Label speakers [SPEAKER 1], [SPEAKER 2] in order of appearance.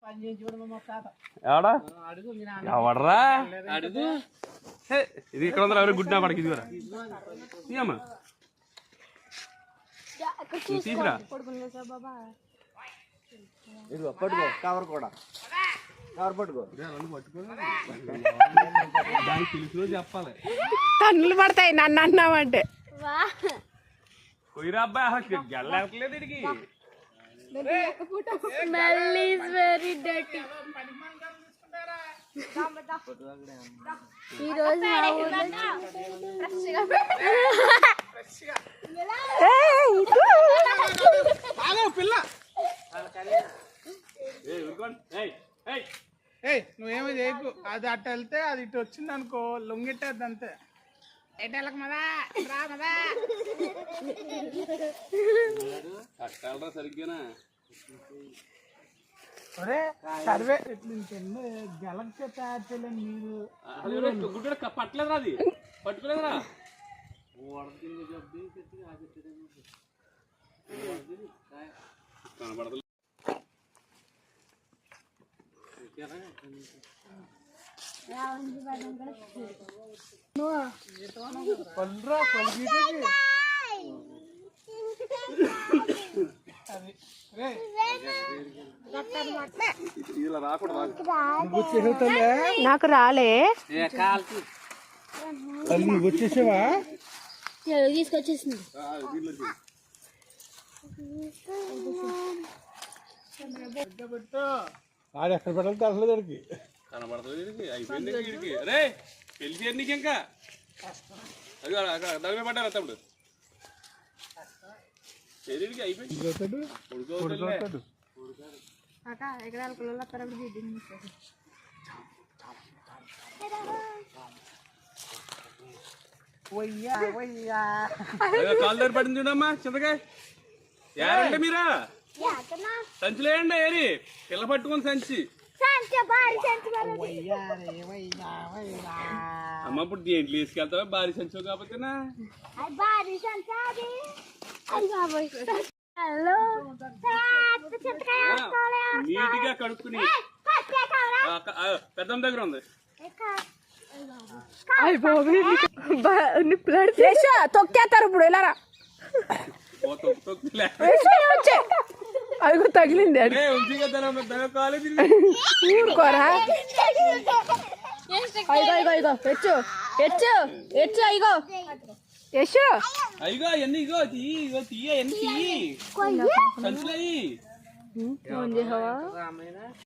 [SPEAKER 1] ఎవడా ఎవడరా ఇది ఇక్కడ ఉందా? ఎవరు గుడ్డా పడకి ఇదిగోరా తీయమ్మా తీసురా.
[SPEAKER 2] ఇదిగో పట్టుకో, కవర్ కూడా కవర్ పట్టుకో.
[SPEAKER 1] దానికి తెలుసులో చెప్పాలి.
[SPEAKER 3] తన్నులు పడతాయి నన్ను అన్నావంటే.
[SPEAKER 1] పోయిరా అబ్బాయి, అసలు గెల్లట్లేదు ఇడికి.
[SPEAKER 4] Smell is very dirty. ఈ రోజు మా ఊర్లో
[SPEAKER 5] నువ్వేమో చేయకు. అది అట్ట వెళ్తే అది ఇటు వచ్చింది అనుకో, లొంగిట్టేది అంతే. ఎటెళ్ళక మదా రా మదా
[SPEAKER 1] కట్టాలరా సరిగ్గానా.
[SPEAKER 5] ఒరే సర్వే గెలక్సే తయారు చేయలేము మీరు.
[SPEAKER 1] గుడ్డ పట్టలేదురా, అది పట్టుకోలేదురా. కనబడదు.
[SPEAKER 5] పల్రా పల్గీటకి
[SPEAKER 1] ఇలా రాకూడదు.
[SPEAKER 3] నాకు రాలే.
[SPEAKER 5] నువ్వు వచ్చేసావా?
[SPEAKER 4] తీసుకొచ్చేసింది.
[SPEAKER 5] ఆడు ఎక్కడ పెట్టాలి తెలలేదు దానికి.
[SPEAKER 1] కనబడుతుంది వీడికి. అయిపోయింది వీడికి. అరే పెళ్లి చేయరు నీకు ఇంకా. అది దాని మీద పడ్డారు తమ్ముడు. శరీరికి అయిపోయింది.
[SPEAKER 5] ఉడుకోతాడు.
[SPEAKER 1] కాలు దగ్గర పడింది చూడమ్మా చింతకాయ. యారంటే మీరా సంచులేయండి. ఏరి పిల్ల పట్టుకుని సంచి. అమ్మ ఇప్పుడు దేంట్లో తీసుకెళ్తావా? భారీ సంచో కాకపోతేనా? నీట్గా కడుక్కుని పెద్దమ్మ దగ్గర ఉంది.
[SPEAKER 3] తొక్కేస్తారు ఇప్పుడు. ఎలా అదిగో తగిలింది. ఊరుకోరా.
[SPEAKER 1] అయ్యో ఎన్ని ఇగో తీయ ఎన్ని తీయి సంచులయ్యి.